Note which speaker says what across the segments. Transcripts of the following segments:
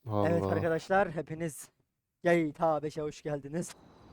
Speaker 1: Evet
Speaker 2: Vallahi.
Speaker 1: arkadaşlar hepiniz GTA 5'e hoş geldiniz.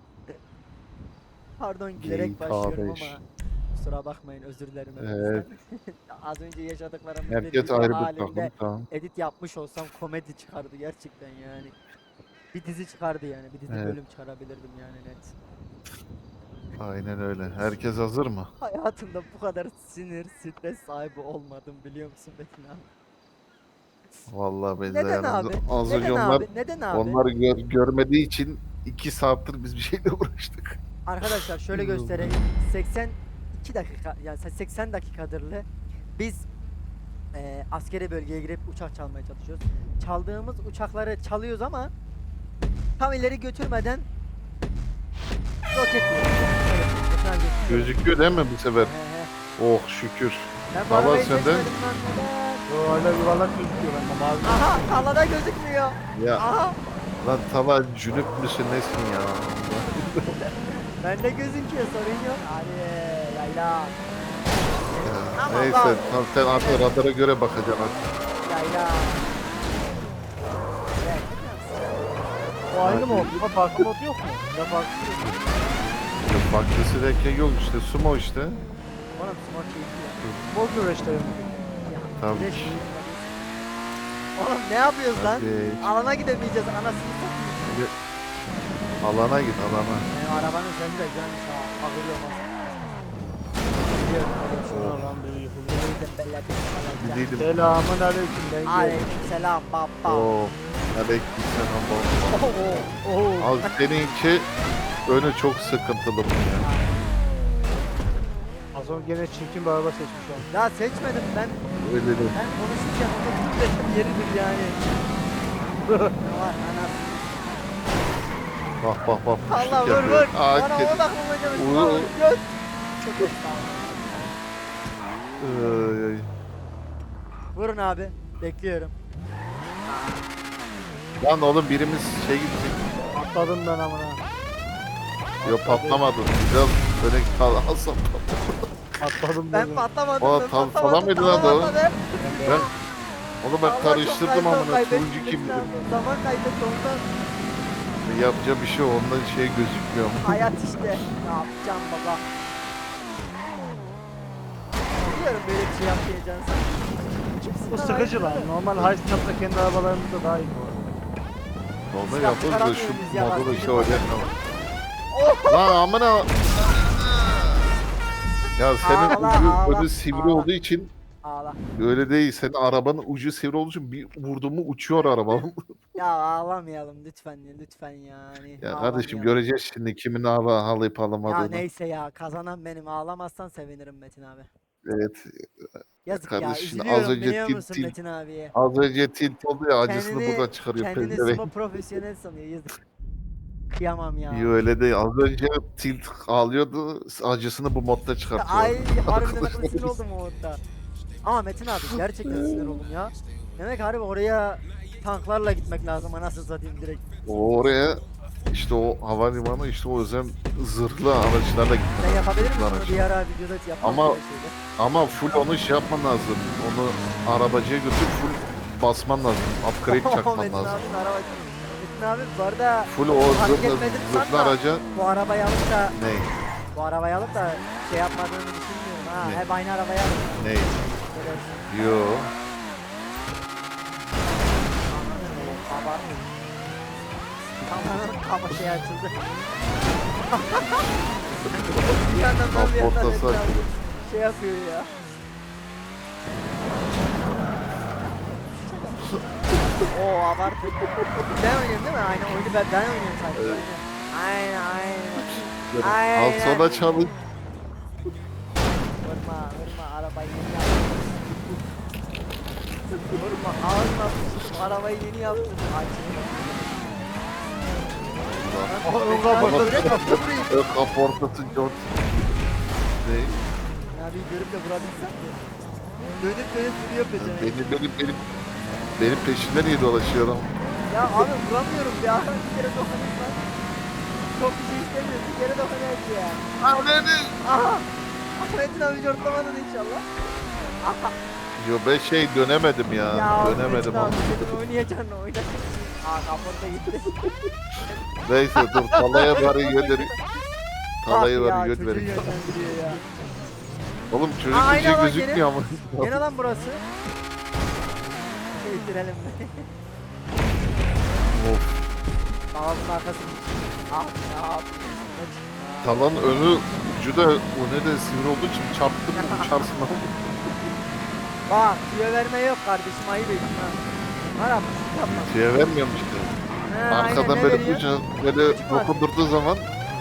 Speaker 1: Pardon gülerek
Speaker 2: GTA
Speaker 1: başlıyorum
Speaker 2: 5.
Speaker 1: ama kusura bakmayın, özür dilerim
Speaker 2: Evet.
Speaker 1: hepinizden. Az önce yaşadıklarımız bir
Speaker 2: Herkes
Speaker 1: video
Speaker 2: ayrı bir takım.
Speaker 1: halinde
Speaker 2: Tamam.
Speaker 1: edit yapmış olsam komedi çıkardı gerçekten yani. Bir dizi çıkardı yani, bir dizi
Speaker 2: Evet.
Speaker 1: bölüm çıkarabilirdim yani net.
Speaker 2: Aynen öyle. Herkes hazır mı?
Speaker 1: Hayatımda bu kadar sinir, stres sahibi olmadım biliyor musun Metin abi?
Speaker 2: Vallahi ben de
Speaker 1: Neden
Speaker 2: yani
Speaker 1: abi?
Speaker 2: az önce
Speaker 1: Neden abi? Neden abi?
Speaker 2: onları görmediği için 2 saattir biz bir şeyle uğraştık.
Speaker 1: Arkadaşlar şöyle göstereyim. 82 dakika yani 80 dakikadırlı biz askeri bölgeye girip uçak çalmaya çalışıyoruz. Çaldığımız uçakları çalıyoruz ama tam ileri götürmeden roket yiyoruz. Evet, ekran gözüküyor.
Speaker 2: Gözüküyor değil mi bu sefer?
Speaker 1: He.
Speaker 2: Oh şükür.
Speaker 1: Ben bu
Speaker 2: Baba
Speaker 1: arabayı
Speaker 2: senden
Speaker 1: seçmedim lan neden?
Speaker 3: Yo, hala yuvarlak gözüküyor bende mavi.
Speaker 1: Aha tavada gözükmüyor.
Speaker 2: ya
Speaker 1: Aha
Speaker 2: lan tava cünüp müsün nesin ya?
Speaker 1: bende gözüküyor, sorun yok. Hadi yayla.
Speaker 2: Ya,
Speaker 1: Aman
Speaker 2: neyse
Speaker 1: lan.
Speaker 2: tam sen artık radara göre bakacaksın artık.
Speaker 1: Yayla.
Speaker 3: O aynı mı
Speaker 2: Hadi.
Speaker 3: oldu? Ama farklı mod yok mu? Ya farklı yok.
Speaker 2: Ya farklısı derken yok işte sumo işte.
Speaker 1: Oğlum smart keyifli ya.
Speaker 3: Mod güreşlerim.
Speaker 1: Ya,
Speaker 2: Tabii
Speaker 1: güneş
Speaker 2: ki.
Speaker 1: keyifli. Oğlum ne yapıyoruz lan?
Speaker 2: Hadi.
Speaker 1: Alana gidemeyeceğiz, anasını satayım.
Speaker 2: Hadi. Alana git alana.
Speaker 1: Benim arabanın seni de güzelmiş ha. Bakıyorum ha. Biliyorum öyle bir şey
Speaker 3: Şuna
Speaker 1: var.
Speaker 3: lan bir yıkıldı.
Speaker 1: Yemeği de belledim falan.
Speaker 2: Gidelim.
Speaker 3: Selamun aleyküm ben geldim.
Speaker 1: Aleykümselam baba.
Speaker 2: Oo. Aleykümselam baba.
Speaker 1: Oo.
Speaker 2: Abi seninki önü çok sıkıntılı bu ya.
Speaker 3: Az önce gene çirkin bir araba seçmiş oldum.
Speaker 1: Ya seçmedim ben.
Speaker 2: Öyle de.
Speaker 1: Ben konuşurken onu titreşim yeridir yani. Ne var anasını.
Speaker 2: Bak bak bak.
Speaker 1: Allah
Speaker 2: kuşluk
Speaker 1: vur
Speaker 2: yapıyor.
Speaker 1: vur.
Speaker 2: Aa,
Speaker 1: Bana
Speaker 2: kedi.
Speaker 1: odaklanacağım.
Speaker 2: Vur.
Speaker 1: Göt. Çok estağfurullah.
Speaker 2: Ay, ay.
Speaker 1: Vurun abi. Bekliyorum.
Speaker 2: Lan oğlum birimiz şey gidecek.
Speaker 3: Atladım ben amına.
Speaker 2: Yok patlamadı. Biraz öne alsam
Speaker 3: Atladım
Speaker 1: Ben
Speaker 3: ben.
Speaker 1: patlamadım.
Speaker 2: Aa,
Speaker 1: Ben
Speaker 2: tam
Speaker 1: patlamadım.
Speaker 2: falan mıydı lan
Speaker 1: Tamam,
Speaker 2: o?
Speaker 1: atladım.
Speaker 2: Ben onu ben
Speaker 1: Allah, çok
Speaker 2: karıştırdım
Speaker 1: zaman
Speaker 2: amına
Speaker 1: kaybettim
Speaker 2: turuncu kim
Speaker 1: Metin abi. Zaman kaybetti ondan.
Speaker 2: yapacağı bir şey ondan şey gözükmüyor ama.
Speaker 1: Hayat işte. Ne yapacağım baba? Biliyorum böyle bir şey yapmayacağını sen. Kimsin
Speaker 3: Bu
Speaker 1: lan?
Speaker 3: sıkıcı lan. Normal high step'ta kendi arabalarımızda daha iyi bu arada.
Speaker 2: Normal
Speaker 1: Silah
Speaker 2: yaparız da
Speaker 1: çıkaramıyor muyuz
Speaker 2: şu
Speaker 1: ya?
Speaker 2: modu da
Speaker 1: Lastik
Speaker 2: işte
Speaker 1: var.
Speaker 2: öyle ama. Lan amına. Ya senin
Speaker 1: Ağla,
Speaker 2: ucu
Speaker 1: ağla,
Speaker 2: önü sivri
Speaker 1: ağla.
Speaker 2: olduğu için
Speaker 1: Ağla.
Speaker 2: öyle değil. Senin arabanın ucu sivri olduğu için bir vurdum mu uçuyor araba.
Speaker 1: Ya ağlamayalım lütfen ya, lütfen yani.
Speaker 2: Ya kardeşim
Speaker 1: Ağlamayalım.
Speaker 2: göreceğiz şimdi kimin ağlayıp
Speaker 1: Ya
Speaker 2: ağlamadığını.
Speaker 1: neyse ya, kazanan benim, ağlamazsan sevinirim Metin abi.
Speaker 2: Evet. Ya
Speaker 1: Yazık ya,
Speaker 2: kardeş şimdi az
Speaker 1: üzülüyorum
Speaker 2: önce
Speaker 1: biliyor musun Metin abiye?
Speaker 2: az önce tilt oldu ya acısını
Speaker 1: Kendini
Speaker 2: buradan çıkarıyor
Speaker 1: kendini
Speaker 2: pezevenk.
Speaker 1: sumo profesyonel sanıyor, yazık. Kıyamam ya.
Speaker 2: İyi öyle değil. Az önce tilt ağlıyordu. Acısını bu modda çıkartıyor.
Speaker 1: Ay harbiden aklı sinir oldum o orada. Ama Metin abi gerçekten sinir oldum ya. Demek harbi oraya tanklarla gitmek lazım, anasını satayım direkt.
Speaker 2: Oraya işte o havalimanı işte o yüzden zırhlı araçlarla gitmek
Speaker 1: Sen
Speaker 2: lazım.
Speaker 1: yapabilir
Speaker 2: Zırhlı
Speaker 1: misin?
Speaker 2: araç.
Speaker 1: Bir ara videoda yapmak
Speaker 2: Ama-
Speaker 1: böyle şeyler.
Speaker 2: Ama full onu şey yapman lazım. Onu arabacıya götür full basman lazım. Upgrade çakman
Speaker 1: Metin
Speaker 2: lazım.
Speaker 1: abinin araba. Metin abi bu arada
Speaker 2: Full o
Speaker 1: fark
Speaker 2: zırhlı,
Speaker 1: etmedim
Speaker 2: zırhlı
Speaker 1: sanma.
Speaker 2: araca
Speaker 1: Bu arabayı alıp da
Speaker 2: ne?
Speaker 1: şey yapmadığını düşünmüyorum ha.
Speaker 2: Ne?
Speaker 1: Hep aynı arabayı alıp.
Speaker 2: Ne?
Speaker 1: Böyle
Speaker 2: Yo.
Speaker 1: baba. Kafanın kafa şey açıldı. Bir yandan da bir yandan
Speaker 2: Kaportası
Speaker 1: Metin abi
Speaker 2: açıldı.
Speaker 1: şey yapıyor ya. Oo abartı. Ben oynuyorum değil mi? Aynen oyunu ben oynuyorum sanki.
Speaker 2: Evet.
Speaker 1: Aynen aynen.
Speaker 2: Böyle
Speaker 1: Aynen.
Speaker 2: Al sonra çalın.
Speaker 1: Vurma arabayı yeni yaptım. Vurma ağzına sıçtım, arabayı yeni yaptım.
Speaker 3: Aa, ön kaportası.
Speaker 2: Ön kaportası George. Ne?
Speaker 1: Ya bir görüp de vurabilsem de. Dönüp duruyor peşine.
Speaker 2: Benim peşimden niye dolaşıyor adam?
Speaker 1: Ya abi vuramıyorum ya. Bir kere dokunayım lan. Çok bir şey istemiyorum. Bir kere dokunayım ya.
Speaker 2: Aa nerede?
Speaker 1: Aha. Ahmet'in abi cortlamadın inşallah. Aha.
Speaker 2: Yo ben şey dönemedim ya. Dönemedim
Speaker 1: Metin
Speaker 2: ama.
Speaker 1: abi senin oynayacaksın oyna. Aa kaporta gitti.
Speaker 2: Neyse dur talaya bari göndereyim. Talaya
Speaker 1: Bak ya,
Speaker 2: bari
Speaker 1: çocuğu
Speaker 2: göndereyim.
Speaker 1: yönlendiriyor ya.
Speaker 2: Oğlum çocuk
Speaker 1: Aa,
Speaker 2: bir şey
Speaker 1: aynen lan,
Speaker 2: gözükmüyor ama.
Speaker 1: Gene lan burası. Bitirelim.
Speaker 2: Of.
Speaker 1: Ağzının arkası. Ah ya.
Speaker 2: Talanın önü ucu da o ne de sivri olduğu için çarptın mı uçarsın ama.
Speaker 1: Bak tüyo verme yok kardeşim ayıp ettin ha. Var abi yapma.
Speaker 2: Şeye vermiyormuş ki.
Speaker 1: He,
Speaker 2: Arkadan
Speaker 1: aynen, ne
Speaker 2: böyle
Speaker 1: veriyor?
Speaker 2: ucu böyle
Speaker 1: Küçük var.
Speaker 2: dokundurduğu zaman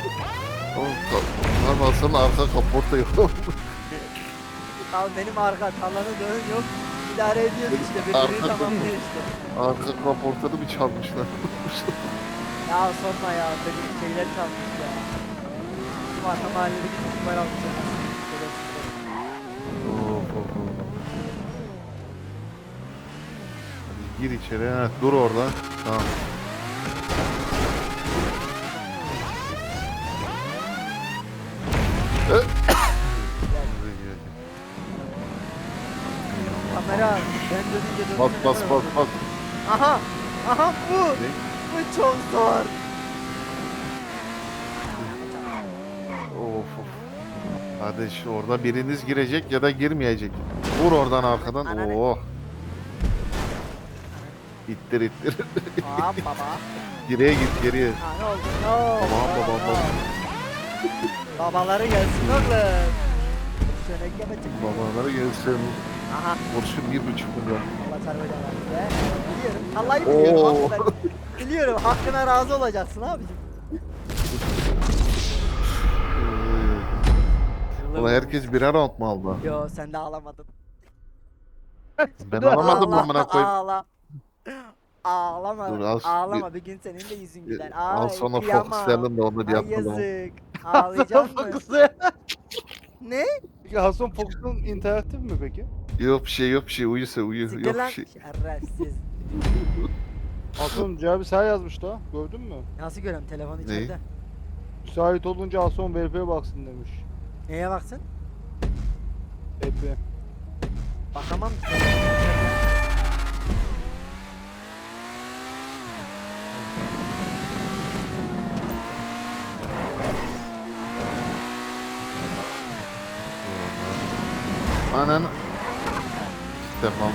Speaker 2: Lan alsana arka kaporta yok.
Speaker 1: Al benim arka talanı dön yok. İdare ediyoruz işte birbirini
Speaker 2: Arka-
Speaker 1: tamamlıyor işte.
Speaker 2: Arka kaportada bir çalmışlar.
Speaker 1: Ya sorma ya benim şeyler çalmış ya. Bu arka mahalledeki çocuklar almış ya.
Speaker 2: Of, of, of. Hadi gir içeri. Ha, dur orada. Tamam.
Speaker 1: Kamera ben dönünce
Speaker 2: Bas bas bas bas.
Speaker 1: Aha! Aha bu!
Speaker 2: Ne?
Speaker 1: Bu çok zor.
Speaker 2: Of of. Hadi şu orada biriniz girecek ya da girmeyecek. Vur oradan arkadan.
Speaker 1: Ananı.
Speaker 2: Oh. İttir ittir.
Speaker 1: Aa baba.
Speaker 2: Geriye git geriye.
Speaker 1: Ha ne oldu? Ne oldu?
Speaker 2: Babam,
Speaker 1: Ne
Speaker 2: babam,
Speaker 1: oldu?
Speaker 2: babam.
Speaker 1: Babaları gelsin oğlum. Şöyle yapacak.
Speaker 2: Babaları gelsin.
Speaker 1: Aha.
Speaker 2: Kurşun 1,5 milyon.
Speaker 1: Allah çarpacak abi. Biliyorum. Vallahi biliyorum.
Speaker 2: Oo.
Speaker 1: Bak ben biliyorum. Hakkına razı olacaksın abicim.
Speaker 2: Ulan herkes birer round mu aldı?
Speaker 1: Yo sen de ağlamadın.
Speaker 2: Ben alamadım mı
Speaker 1: Ağla,
Speaker 2: amına koyayım?
Speaker 1: Ağla. Ağlama.
Speaker 2: Dur, al-
Speaker 1: Ağlama bir gün senin de yüzün güler.
Speaker 2: Al
Speaker 1: Ay,
Speaker 2: sonra
Speaker 1: kıyamam.
Speaker 2: Fox'larını da onu
Speaker 1: Ay
Speaker 2: yapalım.
Speaker 1: yazık. Ağlayacak mı?
Speaker 3: Fox'u.
Speaker 1: Ne?
Speaker 3: Peki Hasan Fox'un interaktif mi peki?
Speaker 2: Yok bir şey yok bir şey uyusa uyu
Speaker 1: Siktir
Speaker 2: yok
Speaker 1: lan.
Speaker 2: bir şey.
Speaker 1: Şerefsiz.
Speaker 3: Hasan cevabı sen yazmış da. Gördün mü?
Speaker 1: Nasıl görüyorum telefon içeride?
Speaker 3: Müsait olunca Hasan VP'ye baksın demiş.
Speaker 1: Neye baksın?
Speaker 3: VP.
Speaker 1: Bakamam ki.
Speaker 2: Anan. Tamam.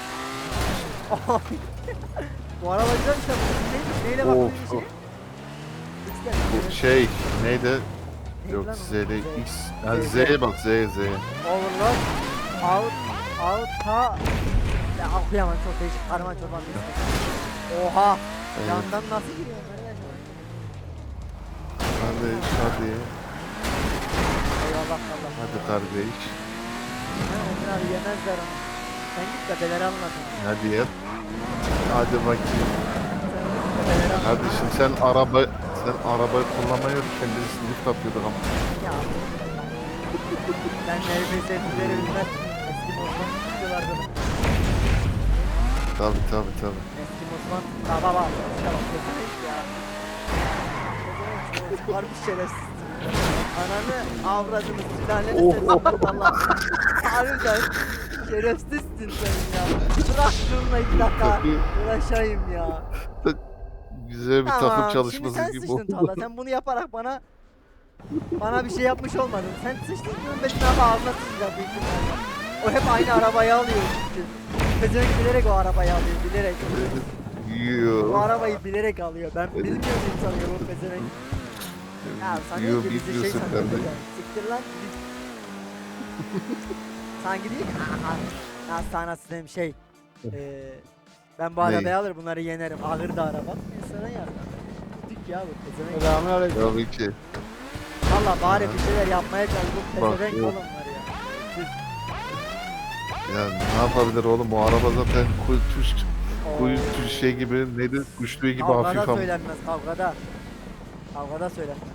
Speaker 1: Bu araba güzel işte. Ne, neyle
Speaker 2: Of,
Speaker 1: baktın
Speaker 2: of.
Speaker 1: içine? X'den.
Speaker 2: Bu şey neydi?
Speaker 1: Neydi
Speaker 2: Yok
Speaker 1: lan o?
Speaker 2: Z'de
Speaker 1: Z.
Speaker 2: X. Yani
Speaker 1: Z.
Speaker 2: Z'ye bak Z.
Speaker 1: Overload. Out. Ha. Ya okuyamam çok değişik. Karman çorban bir isim. Oha.
Speaker 2: Evet.
Speaker 1: Yandan nasıl giriyor kardeş?
Speaker 2: Hadi.
Speaker 1: Eyvallah Allah.
Speaker 2: Hadi kardeş.
Speaker 1: Ha, Ömer abi yemezler onu. Sen git de beleri anlatın.
Speaker 2: Hadi yap. Hadi bakayım.
Speaker 1: Sen git de beleri anlat.
Speaker 2: Hadi şimdi sen arabayı kullanmayı öğretken birisi lift atıyorduk ama.
Speaker 1: Ya. Ben NFS'leri bilmez. Eski Osman tutuyorlardı.
Speaker 2: Tabi.
Speaker 1: Eski Osman. Baba. İşte bak pezevenk ya. Pezevenk var bir şerefsiz. Ananı avradını sülaleni
Speaker 2: Oh,
Speaker 1: sesini Allah. Harbiden şerefsizsin sen ya. Bırak şununla 2 dakika uğraşayım ya.
Speaker 2: Güzel bir
Speaker 1: Tamam,
Speaker 2: takım çalışması
Speaker 1: şimdi sen
Speaker 2: gibi
Speaker 1: sıçtın
Speaker 2: oldu.
Speaker 1: Talha. Sen bunu yaparak bana bir şey yapmış olmadın. Sen sıçtın bunun Metin abi ağzına sıçacak büyük ihtimalle. O hep aynı arabayı alıyor çünkü. Pezevenk bilerek o arabayı alıyor bilerek. O
Speaker 2: Yiyor.
Speaker 1: arabayı bilerek alıyor. Ben bilmiyorum sanıyorum o pezevenk. Ya sanıyor
Speaker 2: Yiyor
Speaker 1: ki bizi şey
Speaker 2: bilmiyorsun
Speaker 1: sanıyor.
Speaker 2: kardeşim.
Speaker 1: Siktir lan. Sanki değil ki. Ya sana dedim şey. Ben bu
Speaker 2: Ney?
Speaker 1: arabayı alır bunları yenerim. Ağır da araba. Sana yardım. Dik ya bu pezevenk.
Speaker 3: Selamünaleyküm.
Speaker 2: Tabii ki.
Speaker 1: Valla bari bir şeyler yapmaya çalış. Bu
Speaker 2: Bak,
Speaker 1: pezevenk
Speaker 2: yok.
Speaker 1: oğlum var ya.
Speaker 2: Ya ne yapabilir oğlum bu araba zaten
Speaker 1: Oo.
Speaker 2: kuyu tuş şey gibi neydi kuşluğu gibi
Speaker 1: Kavgada
Speaker 2: hafif ama.
Speaker 1: söylenmez kavgada. Kavgada söylenmez.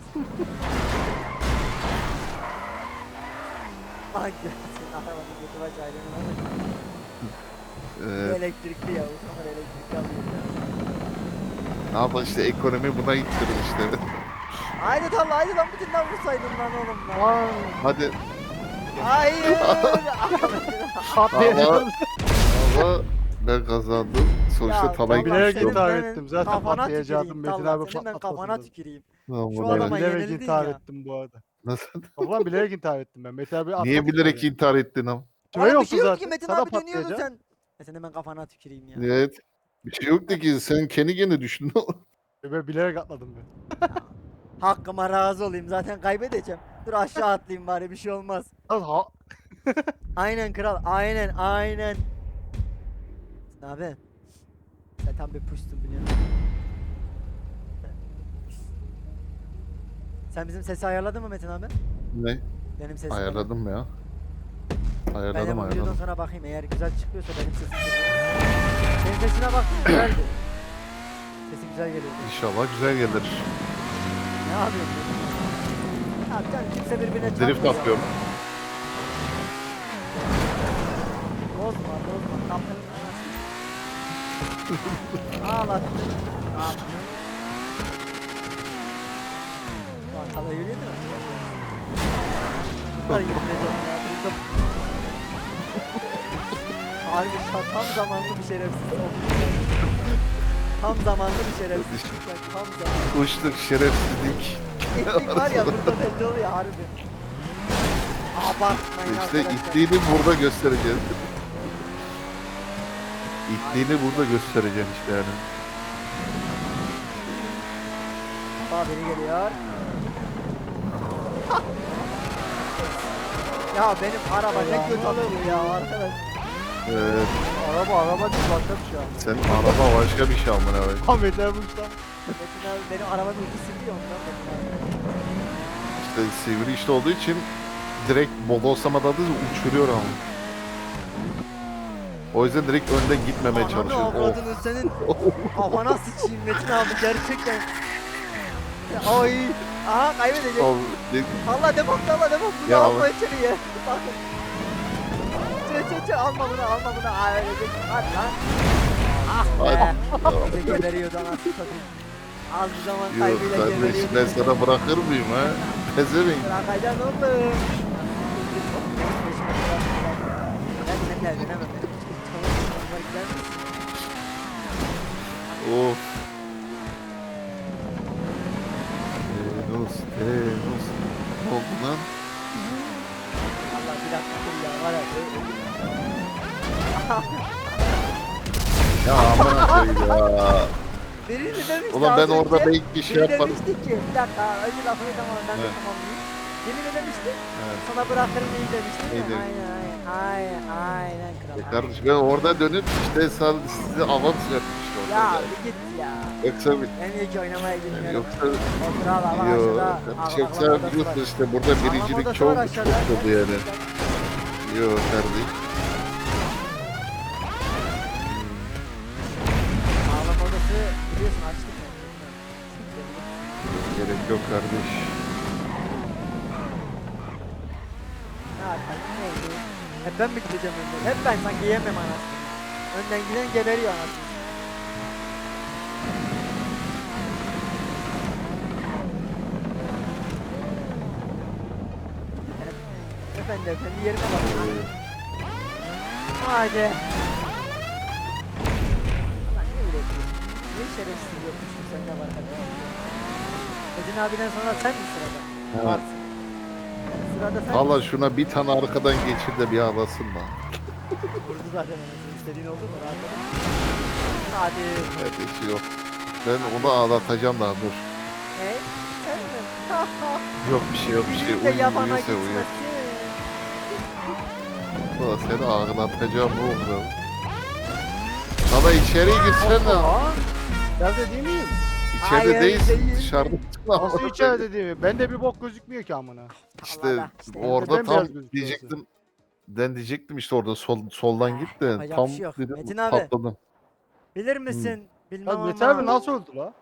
Speaker 1: Ay senin arabanın götü baş ayrılığına bak. Bu elektrikli ya. Bu kadar elektrikli alıyor ya.
Speaker 2: Ne yapalım işte ekonomi buna gittirir işte.
Speaker 1: Haydi tamam haydi lan bütünden vursaydın lan oğlum lan.
Speaker 3: Aa,
Speaker 2: Hadi
Speaker 1: Hayır.
Speaker 3: Patlayacağım.
Speaker 2: Ama ben kazandım. Sonuçta
Speaker 1: Ya,
Speaker 2: Talay
Speaker 1: Allah
Speaker 3: bilerek
Speaker 1: senin
Speaker 3: intihar
Speaker 1: ben
Speaker 3: ettim. Zaten
Speaker 1: kafana
Speaker 3: patlayacaktım.
Speaker 1: tüküreyim,
Speaker 3: Metin
Speaker 1: Talha,
Speaker 3: abi
Speaker 1: senin ben kafana
Speaker 3: patlatmasın.
Speaker 1: tüküreyim.
Speaker 2: Tamam,
Speaker 1: Şu
Speaker 2: ulan.
Speaker 1: adama
Speaker 3: Bilerek
Speaker 1: yenildin
Speaker 3: intihar
Speaker 1: ya.
Speaker 3: ettim bu arada.
Speaker 2: Nasıl?
Speaker 3: Ulan bilerek intihar ettim ben. Metin abi
Speaker 2: Niye
Speaker 3: atlatmadı
Speaker 2: bilerek
Speaker 3: beni.
Speaker 2: intihar ettin ama?
Speaker 3: Süre
Speaker 1: Abi bir
Speaker 3: yoktu
Speaker 1: şey yok ki
Speaker 3: zaten.
Speaker 1: Metin
Speaker 3: Sana
Speaker 1: abi dönüyordu
Speaker 3: patlayacağım.
Speaker 1: sen. Senin ben kafana tüküreyim ya.
Speaker 2: Evet. Bir şey yoktu ki sen kendi kendine düştün.
Speaker 3: Ben bilerek atladım ben.
Speaker 1: Hakkıma razı olayım zaten kaybedeceğim. Dur aşağı atlayayım bari bir şey olmaz.
Speaker 3: Lan ha.
Speaker 1: Aynen kral aynen. Abi sen tam bir puştun biliyorum. Sen bizim sesi ayarladın mı Metin abi?
Speaker 2: Ne?
Speaker 1: Benim sesim.
Speaker 2: Ayarladım ya.
Speaker 1: Ben de
Speaker 2: Ayarladım
Speaker 1: bu videodan
Speaker 2: ayarladım.
Speaker 1: sonra bakayım eğer güzel çıkıyorsa benim sesim. Senin sesine baktım güzeldi. Sesi güzel geliyor.
Speaker 2: İnşallah güzel gelir.
Speaker 1: Ne yapıyorsun? Abi canım kimse birbirine
Speaker 2: Drift
Speaker 1: çarpmıyor.
Speaker 2: yapıyorum.
Speaker 1: Bozma. Kaptanın ağlattın. Arkada yürüyor değil mi? Bunlar yürüyeceğim ya. Duydum. Harbi tam zamanlı bir şerefsiz oldu. Tam zamanlı bir şerefsiz. Tam zamanlı.
Speaker 2: Uçtuk şerefsizlik.
Speaker 1: İtlik var ya burada belli oluyor harbi. Abartmayın
Speaker 2: İşte
Speaker 1: arkadaşlar.
Speaker 2: itliğini burada göstereceğiz. İtliğini burada göstereceksin işte yani.
Speaker 1: Aa biri geliyor. Ya benim araba ne kötü oluyor ya arkadaş.
Speaker 2: Evet.
Speaker 3: Araba değil başka bir şey abi.
Speaker 2: Senin araba başka bir şey amına koyayım.
Speaker 3: Ahmet abi uçtan.
Speaker 1: Metin abi benim arabanın ucu siliyor ondan Metin abi.
Speaker 2: İşte sivri işte olduğu için direkt bodoslamadan da uçuruyor ama. O yüzden direkt önden gitmemeye
Speaker 1: Ananı
Speaker 2: çalışıyor. Of.
Speaker 1: avradını senin kafana sıçayım Metin abi gerçekten. Ay. Aha kaybedecek. Allah devam. Bunu
Speaker 2: Ya
Speaker 1: alma
Speaker 2: Allah.
Speaker 1: içeriye. Bakın. Alma bunu. Ay ölecek. Hadi lan. Ah be. Bir de geberiyordu anasını satayım. Az bir zaman
Speaker 2: Yok
Speaker 1: kaybıyla
Speaker 2: kardeş
Speaker 1: geberiyordu.
Speaker 2: ben sana bırakır mıyım ha? Pezevenk.
Speaker 1: Bırakacaksın oğlum. Ben seninle evlenemem. Gider misin?
Speaker 2: Of. Enos. Ne oldu lan?
Speaker 1: Allah bir dakika dur ya var ya.
Speaker 2: Ya amına koyayım ya.
Speaker 1: Biri mi demişti
Speaker 2: Ulan ben
Speaker 1: az
Speaker 2: orada
Speaker 1: önce?
Speaker 2: belki bir şey
Speaker 1: Biri
Speaker 2: yaparım.
Speaker 1: demişti ki bir dakika önce lafını tamamla ben de
Speaker 2: Evet.
Speaker 1: tamamlayayım. Biri ne demişti?
Speaker 2: Evet.
Speaker 1: Sana bırakırım iyi demişti.
Speaker 2: İyi demiş.
Speaker 1: Aynen kral.
Speaker 2: Kardeş ben orada dönüp işte size avans yapmış işte
Speaker 1: Ya
Speaker 2: orada.
Speaker 1: bir git ya.
Speaker 2: Yoksa bir
Speaker 1: Ben iyi ki oynamaya gitmiyorum.
Speaker 2: yoksa
Speaker 1: O kral ama
Speaker 2: yok.
Speaker 1: aşağıda.
Speaker 2: Kardeş yoksa biliyorsun işte burada birincilik çok oldu yani. Yok kardeş.
Speaker 1: Ağlama odası biliyorsun açtık mı?
Speaker 2: Gerek yok kardeş.
Speaker 1: Ne yapayım neydi? Hep ben mi gideceğim önden? Hep ben sanki yiyemem anasını. Önden giden geberiyor anasını. Efendi yerine bak. Hadi. Ulan ne üretiyorsun? Ne şerefsiz yokmuşsun sen de var hadi. Metin abiden sonra sen mi sırada?
Speaker 2: Evet.
Speaker 1: Varsın. Sırada sen
Speaker 2: Valla şuna bir tane arkadan geçir de bir ağlasın da.
Speaker 1: vurdu zaten anasını. İstediğin oldu mu? Rahat ol. Hadi.
Speaker 2: Kardeş yok. Ben onu ağlatacağım daha dur.
Speaker 1: Ne? Sen mi?
Speaker 2: Yok bir şey yok bir şey.
Speaker 1: Bizim de yabana
Speaker 2: Uyuyorsa uyuyor.
Speaker 1: gitmesin.
Speaker 2: Valla seni ağlatacağım oğlum. Baba içeriye girsene.
Speaker 3: Nerede değil miyim?
Speaker 2: İçeride
Speaker 1: Hayır,
Speaker 2: değilsin
Speaker 1: değil.
Speaker 2: dışarıda.
Speaker 3: Nasıl içeride değil mi? Bende bir bok gözükmüyor ki amına.
Speaker 2: İşte
Speaker 1: Allah işte.
Speaker 2: orada
Speaker 3: Neden
Speaker 2: tam
Speaker 3: beyaz gözüküyor
Speaker 2: diyecektim. Ben diyecektim işte orada soldan git de
Speaker 1: yapacak
Speaker 2: tam
Speaker 1: bir şey yok.
Speaker 2: dedim
Speaker 1: Metin abi.
Speaker 2: patladım.
Speaker 1: Bilir misin? Bilmem
Speaker 3: Lan Mete
Speaker 1: ama.
Speaker 3: abi nasıl öldü la?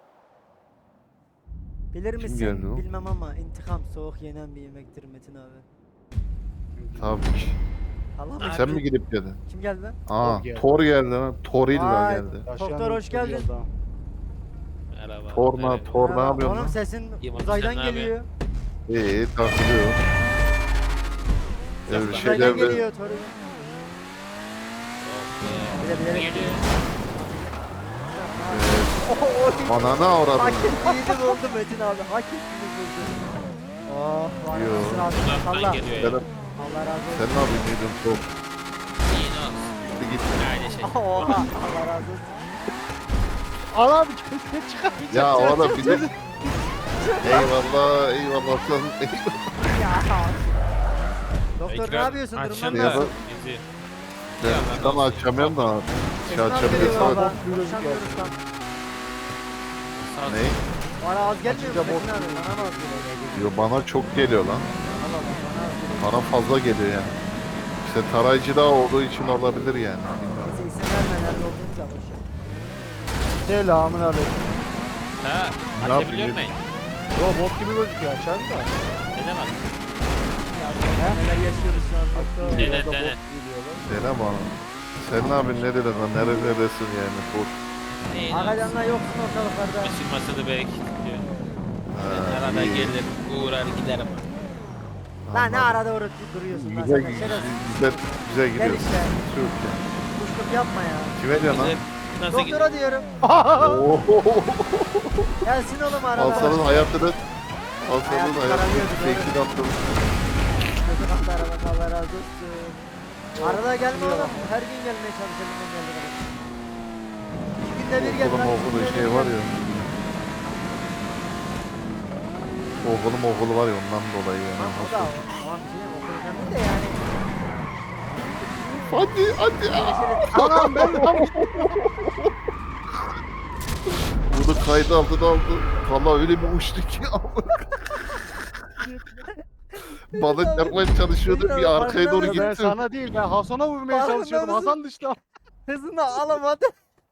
Speaker 1: Bilir
Speaker 2: Kim
Speaker 1: misin?
Speaker 2: geldi o?
Speaker 1: Bilmem ama intikam soğuk yenen bir yemektir Metin abi.
Speaker 2: Tabii ki.
Speaker 1: Allah mı?
Speaker 2: Sen mi gidip geldin?
Speaker 1: Kim geldi lan?
Speaker 2: Aa
Speaker 3: Thor geldi.
Speaker 2: Thor geldi lan. Torilla
Speaker 1: Vay.
Speaker 2: geldi.
Speaker 1: Doktor, hoş geldin.
Speaker 4: Merhaba.
Speaker 2: Thor ne
Speaker 4: Evet.
Speaker 2: Thor ne
Speaker 1: Ya,
Speaker 2: yapıyorsun
Speaker 1: oğlum
Speaker 2: lan?
Speaker 1: sesin
Speaker 4: İyi bak,
Speaker 1: uzaydan
Speaker 4: sen ne
Speaker 1: geliyor.
Speaker 2: İyi takılıyor. Öyle
Speaker 4: Uzaydan
Speaker 1: Uzaydan
Speaker 2: şeyler de
Speaker 1: geliyor Toru. bilerek.
Speaker 4: Geliyor.
Speaker 2: Bana ne avradın?
Speaker 1: Hak ettiğini buldu Metin abi. Hak ettiğini buldu. Oh var
Speaker 2: Yo.
Speaker 1: mısın abi?
Speaker 4: Uzaktan
Speaker 1: Allah.
Speaker 4: geliyor ya.
Speaker 2: Selam.
Speaker 1: Allah razı
Speaker 2: Sen
Speaker 1: olsun.
Speaker 2: ne yapıyorsun çok?
Speaker 4: İyi ne olsun.
Speaker 2: Hadi git.
Speaker 4: Aynı şey.
Speaker 1: Oha Allah razı olsun.
Speaker 3: Al abi köşeye çıkamayacak.
Speaker 2: Ya oğlum bir de... Eyvallah, eyvallah. Sen
Speaker 1: Ya. Doktor ne yapıyorsun? Durumdan
Speaker 4: Açın
Speaker 2: Ya
Speaker 4: da.
Speaker 1: nasıl?
Speaker 4: Bizi.
Speaker 2: ben tam açamıyorum da. Şey
Speaker 1: Esnaf
Speaker 2: açamıyorum.
Speaker 1: geliyor
Speaker 2: Sana-
Speaker 1: valla.
Speaker 3: Bok gülüyoruz
Speaker 1: Konuşamıyoruz tam.
Speaker 4: Sağ
Speaker 2: Ne?
Speaker 1: Bana az gelmiyor mu
Speaker 3: Açınca bok
Speaker 1: Metin abi? Bana mı az geliyor?
Speaker 2: Yo, bana çok geliyor lan.
Speaker 1: Allah Allah bana az geliyor.
Speaker 2: Bana fazla geliyor yani. İşte tarayıcı da olduğu için olabilir yani. Bilmiyorum.
Speaker 1: Neyse isim verme nerede olduğunu da boş ver.
Speaker 3: Selamun aleyküm.
Speaker 4: Ha,
Speaker 2: Ne
Speaker 4: açabiliyor
Speaker 2: yapayım?
Speaker 4: muyum?
Speaker 3: Yo bok gibi gözüküyor açarım da.
Speaker 4: Ne demek?
Speaker 1: Neler yaşıyoruz şu an doktor.
Speaker 4: Dene,
Speaker 3: Orada
Speaker 4: dene.
Speaker 3: bok geliyorlar.
Speaker 2: Dene bana. Sen ne yapıyorsun? Neredesin lan? Neredesin yani? Boş.
Speaker 4: Neyin
Speaker 1: Akacanlar yoksun ortalıklarda.
Speaker 4: Işınmasını bekliyor.
Speaker 2: Ha,
Speaker 4: Arada
Speaker 2: iyi.
Speaker 4: gelir, uğrar giderim.
Speaker 1: Lan ne
Speaker 2: Anladım.
Speaker 1: arada uğraşıp duruyorsun lan
Speaker 2: Güzel,
Speaker 1: sen de şerefsiz.
Speaker 2: güzel
Speaker 1: Gel
Speaker 2: gidiyor.
Speaker 1: işte.
Speaker 2: Çok ya.
Speaker 1: Kuşluk yapma ya.
Speaker 2: Kime diyorsun lan?
Speaker 4: Güzel. Nasıl gidiyor?
Speaker 1: Doktora diyorum.
Speaker 2: Ohohoho.
Speaker 1: Gelsin oğlum arada.
Speaker 2: Alsanın hayatını Alsanın
Speaker 1: Hayatı
Speaker 2: hayatını
Speaker 1: kararıyordu,
Speaker 2: teknik
Speaker 1: doğru.
Speaker 2: attım.
Speaker 1: Kötü kalktı aradan Allah razı olsun. Arada gelme oğlum. Her gün gelmeye çalışalım ben geldim. İki günde bir gel
Speaker 2: Okulum
Speaker 1: lan.
Speaker 2: okulu
Speaker 1: iki günde
Speaker 2: şey
Speaker 1: bir
Speaker 2: var
Speaker 1: gel.
Speaker 2: ya. Okulum okulu var ya ondan dolayı yani.
Speaker 1: Tamam o da tamam bir şey diyeyim, okul önemli de yani.
Speaker 2: Hadi hadi.
Speaker 3: Anam ben
Speaker 2: Bunu kaydı altına aldı. Valla öyle bir uçtu ki. Bana çarpmaya çalışıyordu bir arkaya doğru
Speaker 3: ben
Speaker 2: gitti.
Speaker 3: sana değil ben Hasan'a vurmaya
Speaker 1: Farkında
Speaker 3: çalışıyordum.
Speaker 1: mısın?
Speaker 3: Hasan dışta.
Speaker 1: Hızını alamadı.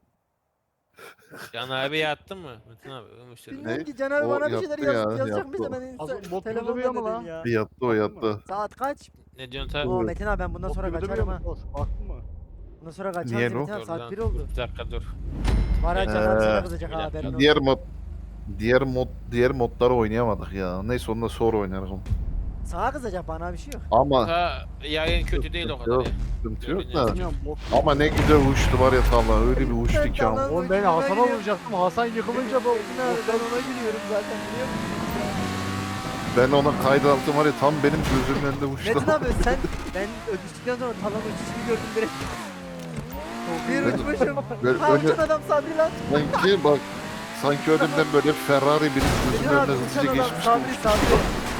Speaker 4: Can abi yattın mı? Metin abi uyumuştur.
Speaker 1: Bilmiyorum
Speaker 2: Ne?
Speaker 1: ki Can abi
Speaker 2: O
Speaker 1: bana bir şeyler
Speaker 2: yaptı ya,
Speaker 1: yazacak mıydı
Speaker 2: yaptı.
Speaker 1: ben
Speaker 3: Hasan
Speaker 1: insta
Speaker 3: bok gibi
Speaker 1: telefonda
Speaker 3: duruyor mu
Speaker 1: dedim
Speaker 3: lan?
Speaker 1: ya.
Speaker 2: Yattı o yattı.
Speaker 1: Saat kaç?
Speaker 4: Ne diyorsun tabi?
Speaker 1: Oo Metin abi ben bundan sonra kaçarım ha.
Speaker 3: Baktın mı?
Speaker 1: Bundan sonra kaçarım
Speaker 2: Niye
Speaker 1: Metin
Speaker 2: lo?
Speaker 1: abi saat 1 oldu.
Speaker 4: Bir dakika dur.
Speaker 1: Var ya
Speaker 4: Ee,
Speaker 1: Can abi sana kızacak ha haberin olsun.
Speaker 2: Diğer modları oynayamadık ya. Neyse ondan sonra oynarız.
Speaker 1: Sana kızacak bana bir şey yok.
Speaker 2: Ama
Speaker 4: Ha, yayın kötü değil o kadar
Speaker 2: Yok.
Speaker 4: ya.
Speaker 2: sıkıntı yok da.
Speaker 3: Bilmiyorum bok.
Speaker 2: Ama ne güzel uçtu var ya tavla. Öyle bir uçtu ki ama.
Speaker 3: Oğlum ben Hasan'a vuracaktım. Hasan yıkılınca bu.
Speaker 1: Metin abi ben ona gülüyorum zaten biliyor musun?
Speaker 2: Ben ona kaydı altım var ya tam benim gözümün önünde uçtu.
Speaker 1: Metin abi sen ben öpüştükten sonra talan uçuşunu gördüm direkt. Bir uçmuşum.
Speaker 2: Böyle,
Speaker 1: Ha
Speaker 2: öyle,
Speaker 1: uçan adam Sabri lan.
Speaker 2: sanki bak sanki önümden böyle Ferrari bir
Speaker 1: Metin
Speaker 2: gözümün
Speaker 1: abi
Speaker 2: önünden
Speaker 1: uçan
Speaker 2: hızlıca
Speaker 1: adam
Speaker 2: geçmişti.
Speaker 1: Sabri Sabri.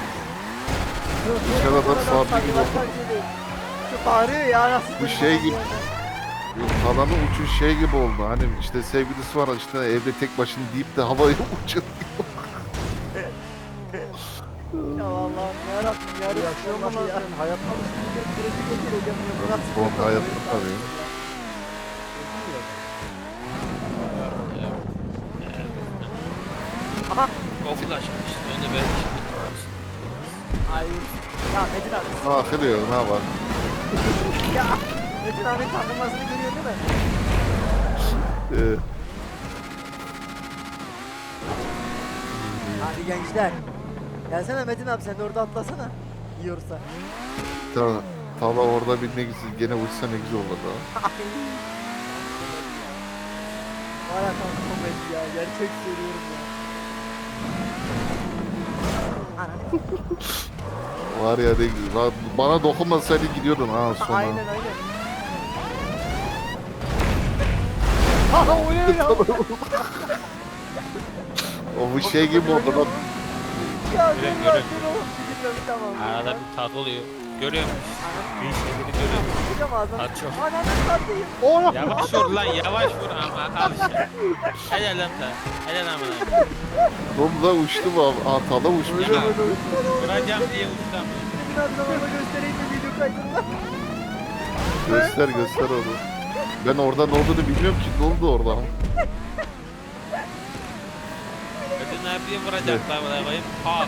Speaker 2: Uçan adam Sabri gibi
Speaker 1: bak, bak, geliyor. Şu bağırıyor ya nasıl?
Speaker 2: Bu şey gibi. Talanın uçuş şey gibi oldu. Hani işte sevgilisi var işte evde tek başına deyip de havaya uçuyor.
Speaker 1: Ya Allah'ım yarabbim yarabbim.
Speaker 3: Yaşıyor mu lan sen? Hayatta mısın?
Speaker 1: Süreci geçireceğim ya. Bu nasıl
Speaker 2: Bu
Speaker 1: bir
Speaker 2: hayatta
Speaker 1: kafa?
Speaker 2: tabii.
Speaker 1: Aha.
Speaker 4: Okul açmış. Ben de belki.
Speaker 1: Ay. Ya Metin abi.
Speaker 2: Akılıyor ne var?
Speaker 1: Ya. Metin abinin takılmasını görüyor değil mi?
Speaker 2: Ee,
Speaker 1: Hadi gençler. Gelsene Metin abi sen de orada atlasana. Yiyorsa.
Speaker 2: Tala orada binmek için gene uçsa ne güzel olurdu ha.
Speaker 1: Var ya tam komedi ya. Gerçek söylüyorum ya. Ana.
Speaker 2: Var ya ne güzel. Bana dokunmasaydı gidiyordun ha sonra.
Speaker 1: Aynen aynen.
Speaker 3: Haha o ne ya?
Speaker 2: O bu şey gibi oldu lan.
Speaker 1: Ya
Speaker 4: Görev,
Speaker 1: dur
Speaker 4: görev.
Speaker 1: lan dur oğlum. Bilmiyorum tamam.
Speaker 4: Arada bir tat oluyor. Görüyor musun? Bir şeyleri görüyor musun?
Speaker 1: Hocam ağzına.
Speaker 4: Tat çok.
Speaker 1: Ananı satayım.
Speaker 3: Oğlum.
Speaker 4: Yavaş vur lan yavaş vur ama al işte. Helal lan ta. Helal amına.
Speaker 2: Oğlum da uçtu mu? Aa Tala uçmuş.
Speaker 4: Ya, vuracağım diye uçtam.
Speaker 1: Metin abi sana da göstereyim mi video kaydını?
Speaker 2: Göster onu. Ben orada ne olduğunu bilmiyorum ki. Ne oldu orada?
Speaker 4: Metin abiye vuracaklar amına koyayım. Ha.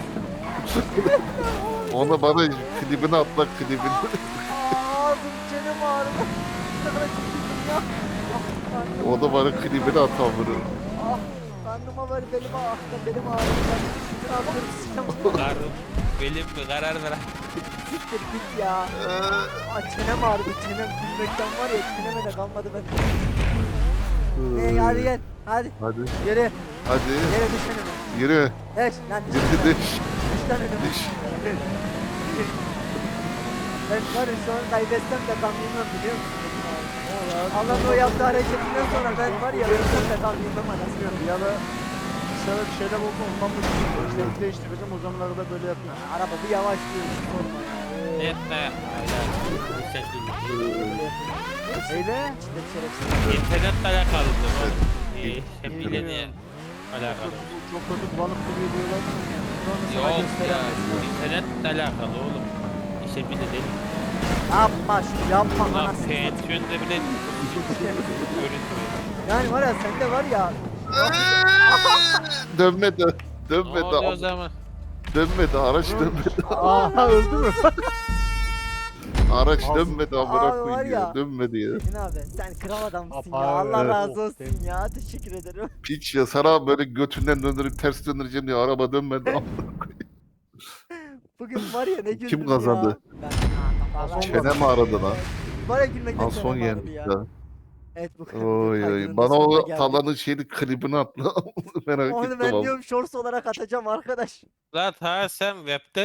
Speaker 2: Ona bana klibini atla klibini.
Speaker 1: Ağzım çenem ağrıdı. Ne kadar çekildim ya. Ah, karnım,
Speaker 2: O da bana klibini atan bunu.
Speaker 1: ah, karnıma var belim ağrıdı. Belim ağrıdı. Ben ne yapıyorum?
Speaker 4: Karım. Belim mi? Karar ver.
Speaker 1: siktir git ya. Aa, çenem ağrıdı çenem. Gülmekten var ya çeneme de kalmadı ben. Hadi gel. Hadi.
Speaker 2: Hadi.
Speaker 1: Yürü.
Speaker 2: Hadi.
Speaker 1: Yere düş önüme.
Speaker 2: Yürü.
Speaker 1: Düş. Lan düş.
Speaker 2: Yürü
Speaker 1: önüme.
Speaker 2: düş.
Speaker 1: Düş lan önüme.
Speaker 2: Düş.
Speaker 1: Ben var ya şu an kaybetsem de gam yemem biliyor musun? Allah'ın o yaptığı hareketinden sonra ben var ya ölsem de gam yemem anasını.
Speaker 3: Ya da sana bir şeyler oldu ondan mı işte değiştireceğim o zamanlarda da böyle yapıyor.
Speaker 1: Araba bir yavaş diyor hiç sorma ya.
Speaker 4: Etme. Hala.
Speaker 3: Eyle.
Speaker 1: İçinde bir şerefsiz.
Speaker 4: İnternetle alakalı. Hep bileni alakalı.
Speaker 3: Çok kötü bulanık duruyor diyorlar.
Speaker 4: Yok ya. İnternetle alakalı oğlum. İşte bir de değil.
Speaker 1: Yapma şunu yapma
Speaker 4: Ulan
Speaker 1: anasını.
Speaker 4: penksiyonda bile görünmüyor.
Speaker 1: Yani var ya sende var ya.
Speaker 2: Dönmedi.
Speaker 4: Ne
Speaker 2: Dönmedi.
Speaker 4: oluyor o zaman?
Speaker 2: Dönmedi. Araç dönmedi.
Speaker 3: Aha öldü mü?
Speaker 2: Araç
Speaker 3: Ağzı-
Speaker 2: dönmedi.
Speaker 1: Abi
Speaker 2: Amına
Speaker 1: var
Speaker 2: koyayım
Speaker 1: ya.
Speaker 2: ya. Dönmedi ya.
Speaker 1: Emin abi sen kral adamsın ya.
Speaker 3: Apa,
Speaker 1: Allah
Speaker 3: evet.
Speaker 1: razı olsun ya. Teşekkür ederim.
Speaker 2: Piç ya. Sana böyle götünden döndürüp ters döndüreceğim diye araba dönmedi.
Speaker 1: Bugün var ya ne güldüm
Speaker 2: Kim kazandı?
Speaker 1: ya. Ben
Speaker 3: Son
Speaker 2: Çenem ağrıdı lan.
Speaker 1: var ya gülmekten
Speaker 2: Al son
Speaker 1: çenem ağrıdı
Speaker 2: yendi.
Speaker 1: ya. Evet bu
Speaker 2: Oy
Speaker 1: kaydının
Speaker 2: oy.
Speaker 1: da
Speaker 2: Bana
Speaker 1: sonuna
Speaker 2: o
Speaker 1: geldik.
Speaker 2: talanın şeyini klibini atla. Merak
Speaker 1: Onu
Speaker 2: ettim
Speaker 1: ben
Speaker 2: ama.
Speaker 1: diyorum shorts olarak atacağım arkadaş.
Speaker 4: Lan ta sen webde